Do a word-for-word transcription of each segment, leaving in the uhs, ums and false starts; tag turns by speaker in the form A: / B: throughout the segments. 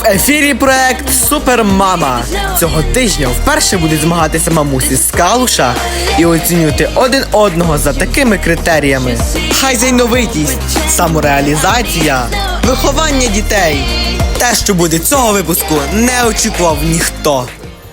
A: В ефірі проект Супермама. Цього тижня вперше будуть змагатися мамусі з Калуша і оцінювати один одного за такими критеріями: хайзайновитість, самореалізація, виховання дітей. Те, що буде цього випуску, не очікував ніхто.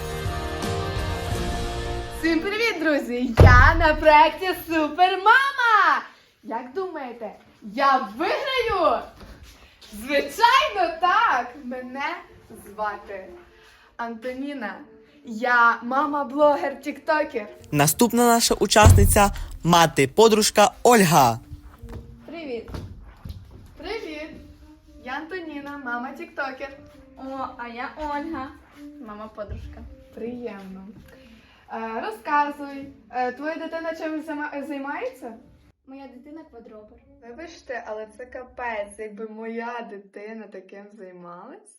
B: Всім привіт, друзі! Я на проєкті Супермама! Як думаєте, я виграю? Звичайно, так! Мене звати Антоніна. Я мама-блогер-тіктокер.
A: Наступна наша учасниця – мати-подружка Ольга.
B: Привіт! Привіт! Я Антоніна, мама-тіктокер.
C: О, а я Ольга, мама-подружка.
B: Приємно. Е, розказуй, е, твоя дитина чим займа- займається?
C: Моя дитина квадробер.
B: Вибачте, але це капець, якби моя дитина таким займалась.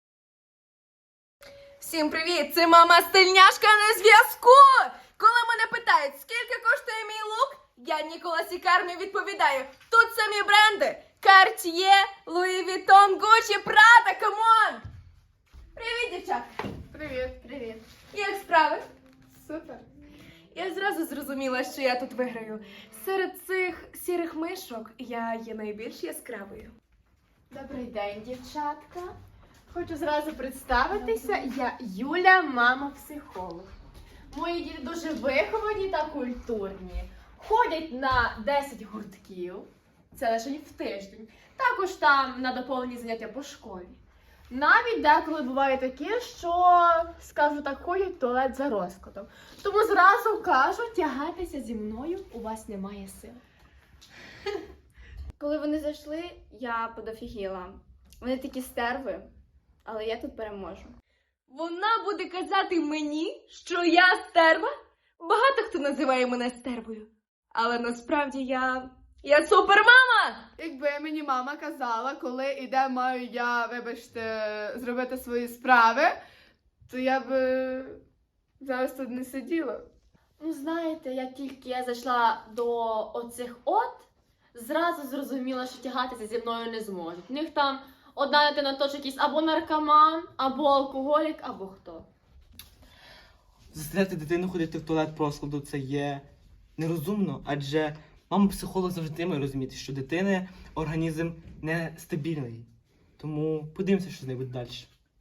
B: Всім привіт! Це мама стильняшка на зв'язку! Коли мене питають, скільки коштує мій лук, я Нікола Сікармі відповідаю: тут самі бренди: Cartier, Louis Vuitton, Gucci, Prada, камон! Привіт, дівчатка! Привіт!
C: Привіт.
B: Як справи? Супер. Я зразу зрозуміла, що я тут виграю. Серед цих сірих мишок я є найбільш яскравою.
C: Добрий день, дівчатка. Хочу зразу представитися. Я Юля, мама-психолог. Мої діти дуже виховані та культурні. Ходять на десять гуртків. Це лише в тиждень. Також там на доповнені заняття по школі. Навіть деколи буває таке, що, скажу так, ходять в туалет за розкладом. Тому зразу кажу, тягатися зі мною, у вас немає сил. Коли вони зайшли, я подофігіла. Вони такі стерви, але я тут переможу.
B: Вона буде казати мені, що я стерва? Багато хто називає мене стервою. Але насправді я... Я супермама! Якби мені мама казала, коли і де маю я, вибачте, зробити свої справи, то я б зараз тут не сиділа.
C: Ну, знаєте, як тільки я зайшла до оцих от, зразу зрозуміла, що тягатися зі мною не зможуть. В них там одна дитина точно якийсь або наркоман, або алкоголік, або хто.
D: Заставляти дитину ходити в туалет по розкладу – це є нерозумно, адже мама-психолог завжди має розуміти, що дитини організм нестабільний. Тому подивимося, що з нею буде далі.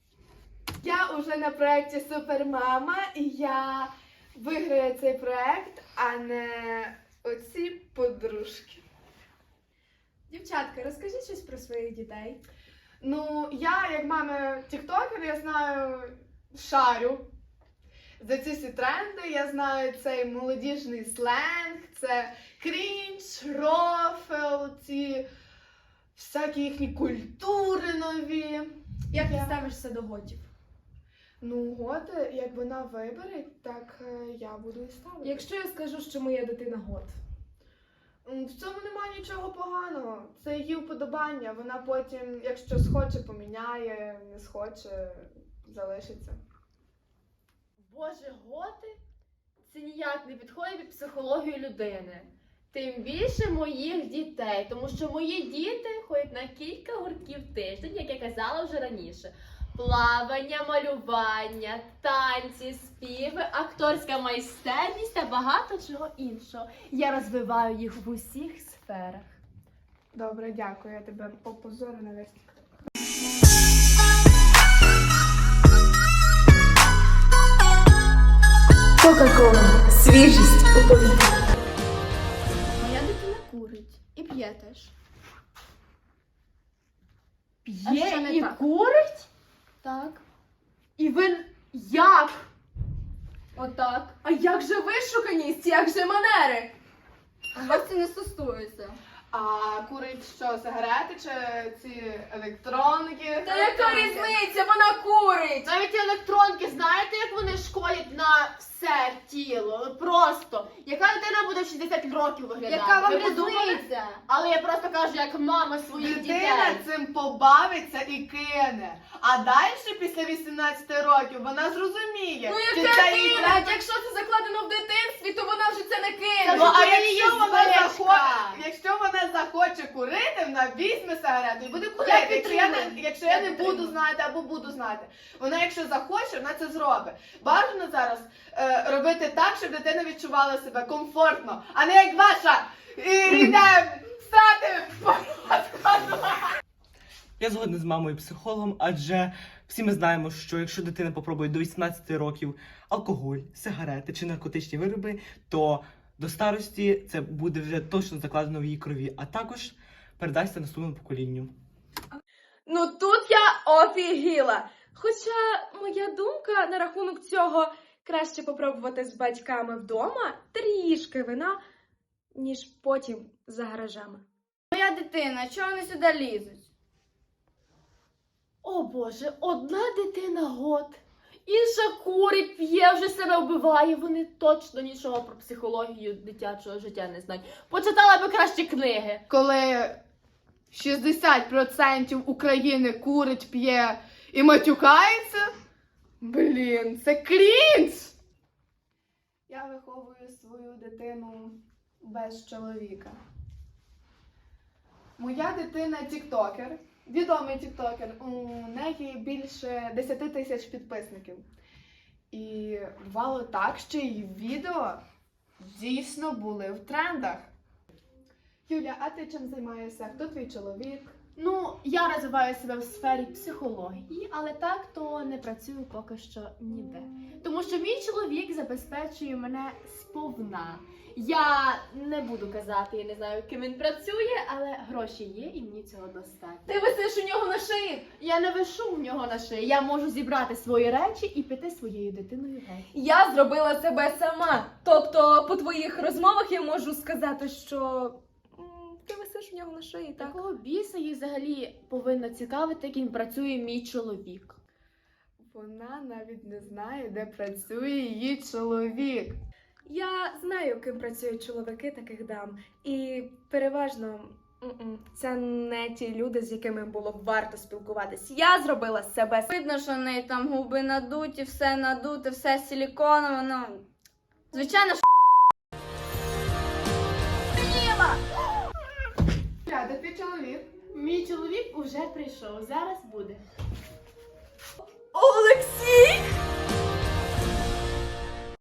B: Я уже на проєкті Супермама, і я виграю цей проєкт, а не оці подружки. Дівчатка, розкажіть щось про своїх дітей. Ну, я, як мама тіктокер, я знаю, шарю за ці всі тренди, я знаю цей молодіжний сленг, це крінж, рофл, ці всякі їхні культури нові.
E: Як ти ставишся до готів?
B: Ну, готи, як вона вибере, так е, я буду і ставити.
E: Якщо я скажу, що моя дитина гот?
B: М, В цьому немає нічого поганого. Це її вподобання. Вона потім, якщо схоче, поміняє, не схоче, залишиться.
C: Боже, готи? Це ніяк не підходить під психологію людини. Тим більше моїх дітей, тому що мої діти ходять на кілька гуртків в тиждень, як я казала вже раніше. Плавання, малювання, танці, співи, акторська майстерність та багато чого іншого. Я розвиваю їх в усіх сферах.
B: Добре, дякую, я тебе опозорю на весь тікток.
E: Кока-кола. Свіжість у повітрі.
C: Моя дитина курить і п'є теж. А
B: П'є
C: що не
B: і
C: так?
B: курить?
C: Так.
B: І ви як?
C: Отак.
B: А як же вишуканість, як же манери?
C: А вас це не стосується.
B: А курить що, сигарети чи ці електронки?
C: Та яка різниця? Вона курить!
B: Навіть ті електронки, знаєте, як вони шкодять на все тіло? Просто. Яка дитина буде в шістдесят років виглядати?
C: Яка вам
B: Ви подумали?
C: різниця? Але я просто кажу, як мама своїх
B: Дитина
C: дітей.
B: цим побавиться і кине. А далі, після вісімнадцяти років, вона зрозуміє.
C: Ну
B: чи
C: яка
B: це їй
C: кине?
B: треба.
C: Якщо це закладено в дитинстві, то вона вже це не
B: Ну,
C: кине.
B: а
C: Це
B: якщо
C: її
B: вона
C: звичка.
B: захоче, якщо вона захоче захоче курити, вона візьме сигарету і буде курити. Якщо я не, якщо я не буду знати або буду знати. Вона, якщо захоче, вона це зробить. Бажано зараз е, робити так, щоб дитина відчувала себе комфортно, а не як ваша і йде стати по розкладу.
D: Я згоден з мамою і психологом, адже всі ми знаємо, що якщо дитина попробує до вісімнадцяти років алкоголь, сигарети чи наркотичні вироби, то до старості це буде вже точно закладено в її крові, а також передасться наступному поколінню.
E: Ну тут я офігіла. Хоча моя думка на рахунок цього краще попробувати з батьками вдома трішки вина, ніж потім за гаражами.
F: Моя дитина, чого вони сюди лізуть?
C: О Боже, одна дитина год, інша курить, п'є, вже себе вбиває. Вони точно нічого про психологію дитячого життя не знають. Почитала би краще книги.
B: Коли шістдесят відсотків України курить, п'є і матюкається, блін, це крінж! Я виховую свою дитину без чоловіка. Моя дитина тіктокер, відомий тіктокер, у неї більше десять тисяч підписників. І бувало так, що її відео дійсно були в трендах. Юля, а ти чим займаєшся? Хто твій чоловік?
C: Ну, я розвиваю себе в сфері психології, але так то не працюю поки що ніде. Тому що мій чоловік забезпечує мене сповна. Я не буду казати, я не знаю, ким він працює, але гроші є і мені цього достатньо.
E: Ти висиш у нього на шиї.
C: Я не вишу в нього на шиї, я можу зібрати свої речі і піти своєю дитиною геть.
E: Я зробила себе сама. Тобто, по твоїх розмовах я можу сказати, що м, ти висиш у нього на шиї, так?
C: Такого біса їй взагалі повинно цікавити, як він працює мій чоловік.
B: Вона навіть не знає, де працює її чоловік.
E: Я знаю, ким працюють чоловіки таких дам. І переважно м-м, це не ті люди, з якими було б варто спілкуватись. Я зробила себе.
F: Видно, що в неї там губи надуті, все надуте, все силіконове, ну, звичайно, що
B: Юля, де твій чоловік?
C: Мій чоловік уже прийшов, зараз буде.
E: Олексій!